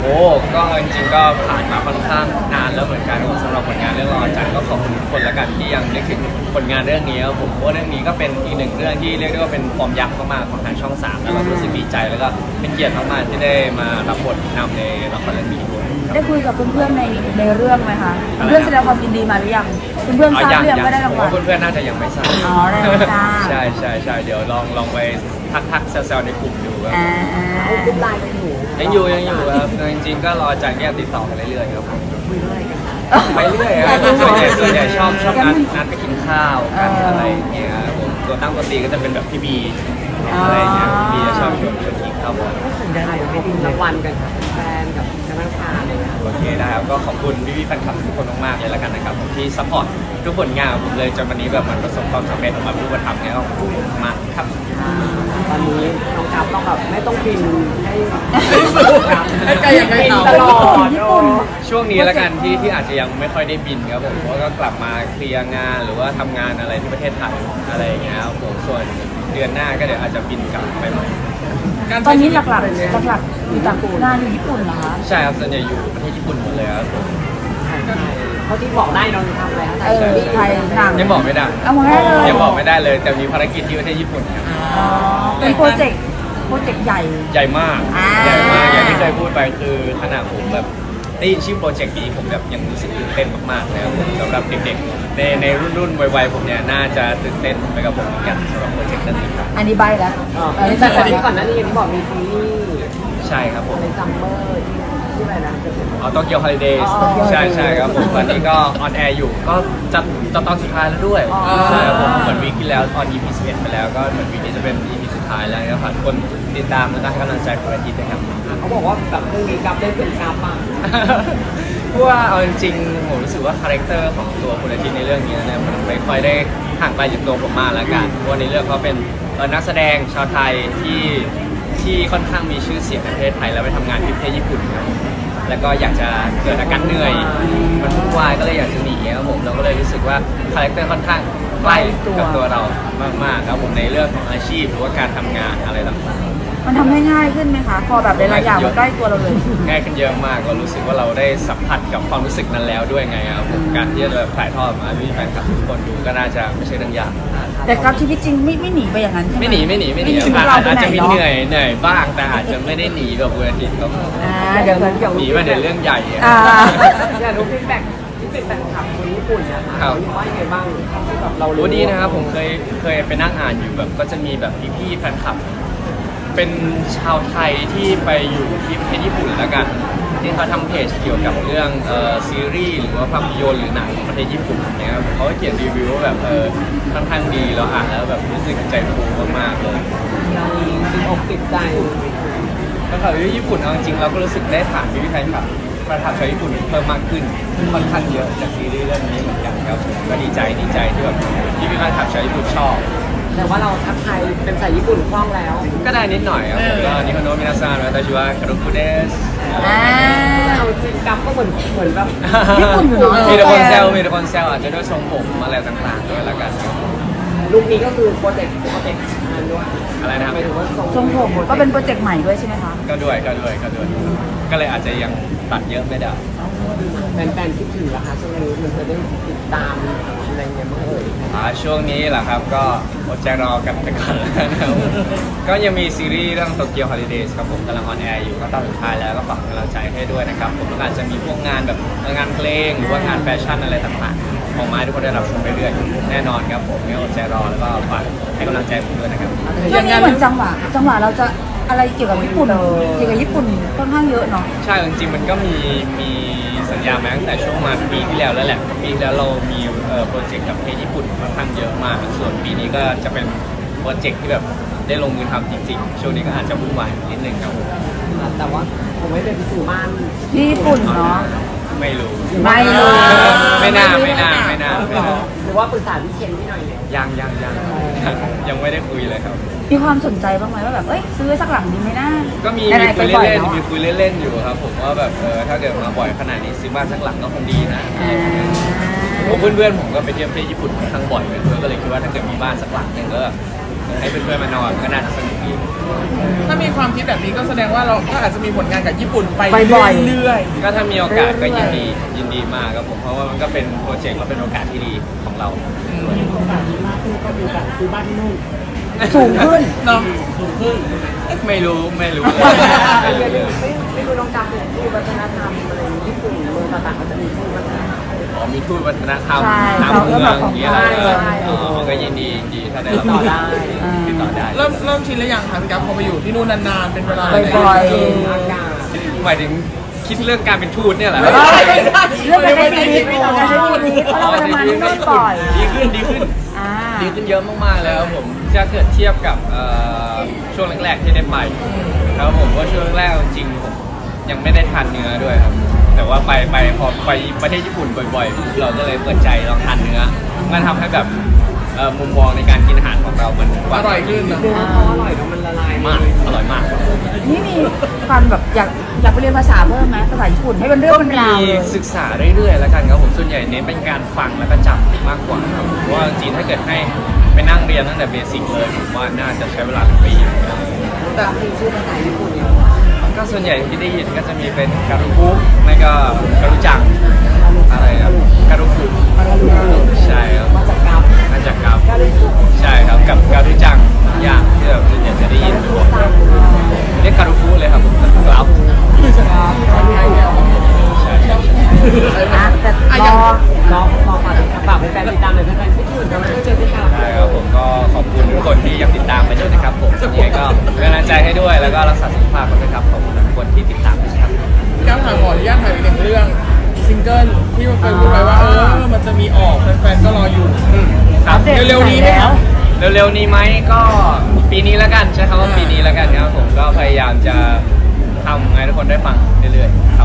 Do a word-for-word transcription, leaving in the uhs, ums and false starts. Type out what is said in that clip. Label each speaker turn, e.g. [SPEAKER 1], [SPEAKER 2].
[SPEAKER 1] โอ้ก็จริงๆก็ผ่านมาค่อนข้างนานแล้วเหมือนกันสำหรับผลงานเรื่องรอจันก็ขอบคุณทุกคนละกันที่ยังนึกถึงผลงานเรื่องนี้ครับผมเพราะว่าเรื่องนี้ก็เป็นอีกหนึ่งเรื่องที่เรียกได้ว่าเป็นฟอร์มยักษ์มากๆของทางช่องสามแล้วเรารู้สึกดีใจแล้วก็เป็นเกียรติมากๆที่ได้มารับบทนำในละครเรื่องนี้ด้วย
[SPEAKER 2] ได้คุยกับเพื่อนๆในในเรื่องไหมคะเพื่อนแสดงความยินดีมาหรือยังเพื่อนๆทราบหรือยังว่าได้รางวัล
[SPEAKER 1] เพื่อนๆน่าจะยังไม่ทราบ
[SPEAKER 2] อ๋อได้ไม่ทราบ
[SPEAKER 1] ใช่ใช่ใช่เดี๋ยวลองลองไปทักทักๆแซวๆในกลุ่มดูครับ
[SPEAKER 2] อ่า
[SPEAKER 3] กรุ๊ปไลน์เป็นหนู
[SPEAKER 1] ยังอยู่ยังอยู่ครับจริงๆก็รอจันเนี่ยติดต่อกันเรื่อยๆครับผม
[SPEAKER 3] คุยเรื่องอะไรกัน
[SPEAKER 1] ไปเรื่อยครับส่วนใหญ่ส่วนใหญ่ชอบชอบนัดนัดไปกินข้าวกันอะไรอย่างเงี้ยครับผมตัวตั้งตัวตีก็จะเป็นแบบพี่บีอะไรอย่างเงี้ยพี่บีจะชอบชวนชวนกินข้าวบ่อย
[SPEAKER 3] ได้ไปดินรางวัลกันค่ะแฟนกับคณะทานเลยค่ะ
[SPEAKER 1] โอเคได้ครับก็ขอบคุณพี่พี่ๆแฟนคลับทุกคนมากๆเลยละกันนะครับผมที่ซัพพอร์ตทุกผลงานของผมเลยจนวันนี้แบบมันประสบความสำเร็จออกมาเป็นรูปธรรมเงี้ยก็ขอบคุณมากครับ
[SPEAKER 3] ตอนนี้น้องกราฟต้องแบบไม่ต้องบินให้สู้ครับ
[SPEAKER 2] ก็ยังไม่
[SPEAKER 3] บิน
[SPEAKER 2] เอา
[SPEAKER 3] ตลอด
[SPEAKER 2] ญี่ปุ่น
[SPEAKER 1] ช่วงนี้ละกันที่ที่อาจจะยังไม่ค่อยได้บินครับผมเพราะก็กลับมาเคลียร์งานหรือว่าทำงานอะไรที่ประเทศไทยอะไรอย่างเงี้ยครับผมส่วนเดือนหน้าก็เดี๋ยวอาจจะบินกลับไปใหม่
[SPEAKER 2] ตอนนี้หลักๆหลักๆอยู่ต่างงานอยู่ญี่ปุ่นเหรอคะ
[SPEAKER 1] ใช่ครับส่วนใหญ่อยู่ประเทศญี่ปุ่นหมดเลยครับผม
[SPEAKER 3] เขาที่บอกได้น้องทำอะไร
[SPEAKER 2] เออไทยหนัง
[SPEAKER 1] ยังบอกไม่ได้
[SPEAKER 2] เอามาให้เลย
[SPEAKER 1] ยังบอกไม่ได้เลย แต่มีภารกิจที่ประเทศญี่ปุ่นครับ
[SPEAKER 2] อ๋อเป็นโปรเจกต์โปรเจกต์ใหญ่
[SPEAKER 1] ใหญ่มาก
[SPEAKER 2] อ่า
[SPEAKER 1] ใหญ่มากอย่างที่เคยพูดไปคือขนาดผมแบบได้ยินชื่อโปรเจกต์นี้ผมแบบยังรู้สึกตื่นเต้นมากๆนะครับผมสำหรับเด็กๆในในรุ่นรุ่นวัยๆผมเนี่ยน่าจะตื่นเต้นไปกับผมเหมือนกันสำหรับโปรเจกต์นี้ครับ
[SPEAKER 2] อันนี้ใบแล้ว
[SPEAKER 3] อันนี้แต่อันนี้ก่อนหน้านี้อย่างที่บอกมีซีรีส์
[SPEAKER 1] ใช่ครับผม
[SPEAKER 3] อะไรซัมเมอร์ที่ที่อะไรนะ
[SPEAKER 1] อ๋อโตเกียวฮอลิเดย์
[SPEAKER 3] อ๋อ
[SPEAKER 1] ใช่ใช่ครับผมตอนนี้ก็ออนแอร์อยู่ก็จะจะตอนสุดท้ายแล้วด้วย
[SPEAKER 3] อ๋อ
[SPEAKER 1] ใช่ครับผมเหมือนวีคที่แล้วออน อี พี สิบเอ็ดไปแล้วก็เหมือนวีคนี้จะเป็น อี พี สุดท้ายแล้วนะครับทุกคนติดตามแล้วก็ให้กำลังใจคนละทีนะครับ
[SPEAKER 3] เขาบอกว่าแบบเรื่องนี้กราฟได้เป็นกราฟอ่ะ
[SPEAKER 1] เพราะว่าเอาจริงๆผมรู้สึกว่าคาแรคเตอร์ของตัวคุณอาทิตย์ในเรื่องนี้เนี่ยมันไม่ค่อยได้ห่างไกลจากตัวผมมากแล้วกันเพราะว่าในเรื่องเขาเป็นเอ่อนักแสดงชาวไทยที่ที่ค่อนข้างมีชื่อเสียงในประเทศไทยแล้วไปทำงานที่ประเทศญี่ปุ่นครับแล้วก็อยากจะเกิดอาการเหนื่อยมันวุ่นวายก็เลยอยากจะหนีครับผมเราก็เลยรู้สึกว่าคาแรคเตอร์ค่อนข้างใกล้กับตัวเรามากๆครับผมในเรื่องของอาชีพหรือว่าการทำงานอะไรต่างๆ
[SPEAKER 2] มันทำให้ง่ายขึ้นไหมคะ พอแบบหลายๆอย่างมันใกล้ตัวเราเลย
[SPEAKER 1] ง่ายขึ้นเยอะมากก็รู้สึกว่าเราได้สัมผัสกับความรู้สึกนั้นแล้วด้วยไงครับผมการที่จะแบบถ่ายทอดมาให้แฟนคลับทุกคนดูก็น่าจะไม่ใช่เรื่องยาก
[SPEAKER 2] แต่กับชีวิตจริงไม่ไม่หนีไปอย่างนั้นใช่ไหม
[SPEAKER 1] ไม่หนีไม่หนีไม่หนี
[SPEAKER 2] ชีวิต
[SPEAKER 1] อาจ
[SPEAKER 2] เราไป
[SPEAKER 1] อาจ
[SPEAKER 2] ไหน
[SPEAKER 1] จะมี
[SPEAKER 2] เนาะ
[SPEAKER 1] เหนื่อยเหนื่อยบ้างแต่อาจจะไม่ได้หนีแบบวันอาทิตย์ครับ
[SPEAKER 2] อ่าเดี๋ยวเดี๋ยว
[SPEAKER 1] หนีมาเดี๋ยวเรื่องใหญ่อะ
[SPEAKER 2] อ่า
[SPEAKER 3] อยากรู้ฟีดแบ็กที่เป็นแฟนคลับคนญี่ปุ่นนะคะ
[SPEAKER 1] ครับ
[SPEAKER 3] เขาว่ายังไงบ้างที่แบบเรา
[SPEAKER 1] รู้ดีนะครับผมเคยเคยไปนั่งอ่านอยู่แบบก็จะมีแบบพี่ๆแฟนคลับ เป็นชาวไทยที่ไปอยู่ที่ประเทศญี่ปุ่นแล้วกันที่เขาทำเพจเกี่ยวกับเรื่องเอ่อซีรีส์หรือว่าภาพยนตร์หรือหนังของประเทศญี่ปุ่นอย่างเงี้ยครับเขาก็เขียนรีวิวว่าแบบเออค่อนข้างดีเราอ่านแล้วแบบรู้สึกใจฟูมากๆเลย
[SPEAKER 3] เราติดอกติดใจ
[SPEAKER 1] แล้วก็ที่ญี่ปุ่นเอาจริงๆเราก็รู้สึกได้ผ่านพี่ๆแฟนคลับประทับใจญี่ปุ่นเพิ่มมากขึ้นค่อนข้างเยอะจากซีรีส์เรื่องนี้เหมือนกันครับก็ดีใจดีใจที่แบบพี่ๆแฟนคลับชาวญี่ปุ่นชอบ
[SPEAKER 3] แต่ว่าเราทักทายเป็นภาษาญี่ปุ่นคล่องแล้ว
[SPEAKER 1] ก็ได้นิดหน่อยครับผมก็นิฮอนโนะมินาซังวาตาชิวะคารุคุเดส
[SPEAKER 2] อ่า
[SPEAKER 3] เอาจริงกัฟก็เหมือนเหมือนแบบ
[SPEAKER 2] ญี่ปุ่นอยู่เนอะ
[SPEAKER 1] มีแต่คนแซวมีแต่คนแซวอาจจะด้วยทรงผมอะไรต่างๆด้วยละกัน
[SPEAKER 3] ลูกนี้ก็คือโปรเจกต์โปรเจกต์งานด้วย
[SPEAKER 1] อะไรนะครับ
[SPEAKER 3] หมายถึงว่า
[SPEAKER 2] ทรงผมก็เป็นโปรเจกต์ใหม่ด้วยใช่ไหมคะ
[SPEAKER 1] ก็ด้วยก็ด้วยก็ด้วย ก็เลยอาจจะยังตัดเยอะไม่ได้
[SPEAKER 3] แฟนๆคิดถึงราคาช่วงนี้มันจะได้ติดตามอะไรเงี้ยมั้งเอ่ย
[SPEAKER 1] อ่าช่วงนี้แหละครับก็อดใจรอกันไปก่อนแล้วนะครับก็ยังมีซีรีส์เรื่องโตเกียวฮอลิเดย์ครับผมกำลังออนแอร์อยู่ก็ตอนสุดท้ายแล้วก็ฝากกำลังใจให้ด้วยนะครับผมแล้วก็อาจจะมีพวกงานแบบงานเพลงหรือว่างานแฟชั่นอะไรต่างๆของไม้ทุกคนได้รับชมไปเรื่อยๆแน่นอนครับผมงั้นอดใจรอแล้วก็ฝากให้กำลังใจผมด้วยนะครับ
[SPEAKER 2] ช่วงนี้เหมือนจังหวะจังหวะเราจะอะไรเกี่ยวกับญี่ปุ่นเกี่ยวกับญี่ปุ่นค่อนข้างเยอะเนาะ
[SPEAKER 1] ใช่จริงๆมันก็มีมีสัญญามาตั้งแต่ช่วงมาปีที่แล้วแล้วแหละปีที่แล้วเรามีเอ่อโปรเจกต์กับประเทศญี่ปุ่นค่อนข้างเยอะมาก ส่วนปีนี้ก็จะเป็นโปรเจกต์ที่แบบได้ลงมือทำจริงๆ ช่วงนี้ก็อาจจะวุ่นวายนิดนึงครับผม
[SPEAKER 3] แต่ว่าผมไม่เป็นพิสูจน์บ้าน
[SPEAKER 2] ที่ญี่ปุ่นเนาะ
[SPEAKER 1] ไม่รู้
[SPEAKER 2] ไม่รู้
[SPEAKER 1] ไม่น่าไม่น่าไม่น่าไม่น่า
[SPEAKER 3] หรือว่าปรึกษาพี่เคนพี่หน่อยเนี่ย
[SPEAKER 1] ยังยังยังยังไม่ได้คุยเลยครับ
[SPEAKER 2] มีความสนใจบ้างไหมว่าแบบเอ้ยซื้อสักหลังดีไหมนะ
[SPEAKER 1] ก็มี
[SPEAKER 2] ไห
[SPEAKER 1] มี
[SPEAKER 2] ๆ
[SPEAKER 1] คุย
[SPEAKER 2] ไปบ่อ
[SPEAKER 1] เล่น
[SPEAKER 2] แว
[SPEAKER 1] ๆมี
[SPEAKER 2] อะ
[SPEAKER 1] คุยเล่นๆอยู่ครับผมว่าแบบเออถ้าเกิดมาบ่อยขนาดนี้ซื้อบ้านสักหลังก็คงดีนะ ผมเพื่อนๆผมก็ไปเที่ยวประเทศญี่ปุ่นค่อนข้างบ่อยเลยด้วยก็เลยคิดว่าถ้าเกิดมีบ้านสักหลังหนึงก็ก็ให้เพื่อนๆมานอนก็น่าจะสนุกดี
[SPEAKER 4] ถ้ามีความคิดแบบนี้ก็แสดงว่าเราก็อาจจะมีผลงานกับญี่ปุ่นไป
[SPEAKER 2] บ่อยๆ
[SPEAKER 4] เรื่อย
[SPEAKER 1] ก็ถ้ามีโอกาสก็ยินดียินดีมากครับผมเพราะว่ามันก็เป็นโปรเจกต์และเป็นโอกาสที่ดีของเรา
[SPEAKER 3] โอกาสดีมากขึ้นก็มีโอกาสซื้อบ้านที่นู่น
[SPEAKER 2] สูงขึ้น
[SPEAKER 4] ๆเนาะ
[SPEAKER 3] สูงขึ้น
[SPEAKER 1] ไม่รู้ไม่รู้
[SPEAKER 3] ไม่ไม่ไม่รู้น้องจำเป็นที่วัฒนธรรมอะไรญี่ปุ่นเมืองต่างๆเขาจะมีที่วัฒนธรรม
[SPEAKER 1] อ๋อมีทูตวัฒนธรรม
[SPEAKER 2] ใช่
[SPEAKER 1] น้ำเมืองอย่างเงี้ย
[SPEAKER 2] ใช่
[SPEAKER 1] เหรอ
[SPEAKER 2] ใช่
[SPEAKER 1] อ๋อก็ยินดียินดีถ้าได้รับ
[SPEAKER 3] ติดต่อได้
[SPEAKER 1] ติดต่อได้
[SPEAKER 4] เริ่มเริ่มชินแล้วยังคะพี่กัฟพอไปอยู่ที่นู่นนานๆเป็นเวลา
[SPEAKER 2] บ่อยๆ
[SPEAKER 3] เอออากาศ
[SPEAKER 1] หมายถึงคิดเรื่องการเป็นทูตเนี่ยแหละ
[SPEAKER 4] ไม่ได้ไม่ได้
[SPEAKER 2] เรื่องการใช้ชีวิตการใช้ชีวิตเพราะเราไปทำงานที่นู่นบ่อย
[SPEAKER 1] ดีขึ้นดีขึ้น
[SPEAKER 2] อ่า
[SPEAKER 1] ดีขึ้นเยอะมากๆแล้วผมจะเกิดเทียบกับเอ่อช่วงแรกๆที่ได้ไปครับผมว่าช่วงแรกๆจริงๆผมยังไม่ได้ทานเนื้อด้วยครับแต่ว่าไปไปพอไปประเทศญี่ปุ่นบ่อยๆเราก็เลยเปิดใจลองทานเนื้อมันทำให้แบบเอ่อมุมมองในการกินอาหารของเรามันก
[SPEAKER 4] อ
[SPEAKER 1] ว้าง
[SPEAKER 4] ร่อยขึ้นเนอะ
[SPEAKER 3] เนื้อเขาอร่อยแล้วมันละลาย
[SPEAKER 1] มากอร่อยมาก
[SPEAKER 2] นี่มีความแบบอยากอยากไปเรียนภาษาเพิ่มไหมภาษาญี่ปุ่นให้เป็นเรื่องเป็นราว
[SPEAKER 1] มี
[SPEAKER 2] เลย
[SPEAKER 1] ศึกษาเรื่อยๆแล้วกันครับผมส่วนใหญ่เน้นเป็นการฟังแล้วก็จำมากกว่าครับเพราะว่าจริงๆถ้าเกิดให้ไปนั่งเรียนตั้งแต่เบสิกเลยผมว่าน่าจะใช้เวลาเป็นปี
[SPEAKER 3] แต่มีชื่อภาษาญี่ปุ่นเนี่ย
[SPEAKER 1] ก็ส่วนใหญ่ที่ได้ยินก็จะมีเป็นการุฟุไม่ก็การุจังอะไรครับการุฟุใช่ครับ
[SPEAKER 3] มาจากกับ
[SPEAKER 1] น่าจะครับใช่ครับกับการุจังอย่างที่แบบส่วนใหญ่จะได้ยินบ่อยเรียกการุฟุเลยครับผมครับใช่ใช่
[SPEAKER 2] อ่ะแต่
[SPEAKER 4] อ่ะ
[SPEAKER 2] ร
[SPEAKER 4] อย่าง
[SPEAKER 2] อ
[SPEAKER 3] น้องฝากฝากแฟนติดตามเลยแฟนๆคิดถึงเราไม่เจอที่ข่าว
[SPEAKER 1] ใช่ครับผมก็ขอบคุณทุกคนที่ยังติดตามไปด้วยนะครับผมยังไงก็เป็นกำลังใจให้ด้วยแล้วก็รักษาสุขภาพกันด้วยครับขอบคุณทุกคนที่ติดตามนะครับ
[SPEAKER 4] พี่กัฟถามขออนุญาตถามอีกหนึ่งเรื่องซิงเกิลที่เคยพูดไว้ว่าเออมันจะมีออกแฟนๆก็รออยู่
[SPEAKER 1] ครับ
[SPEAKER 2] อัปดต
[SPEAKER 4] เร็วๆนี้ไหมครับ
[SPEAKER 1] เร็วๆนี้ไหมก็ปีนี้แล้วกันใช้คำว่าปีนี้แล้วกันครับผมก็พยายามจะทำให้ทุกคนได้ฟังเรื่อยๆครับ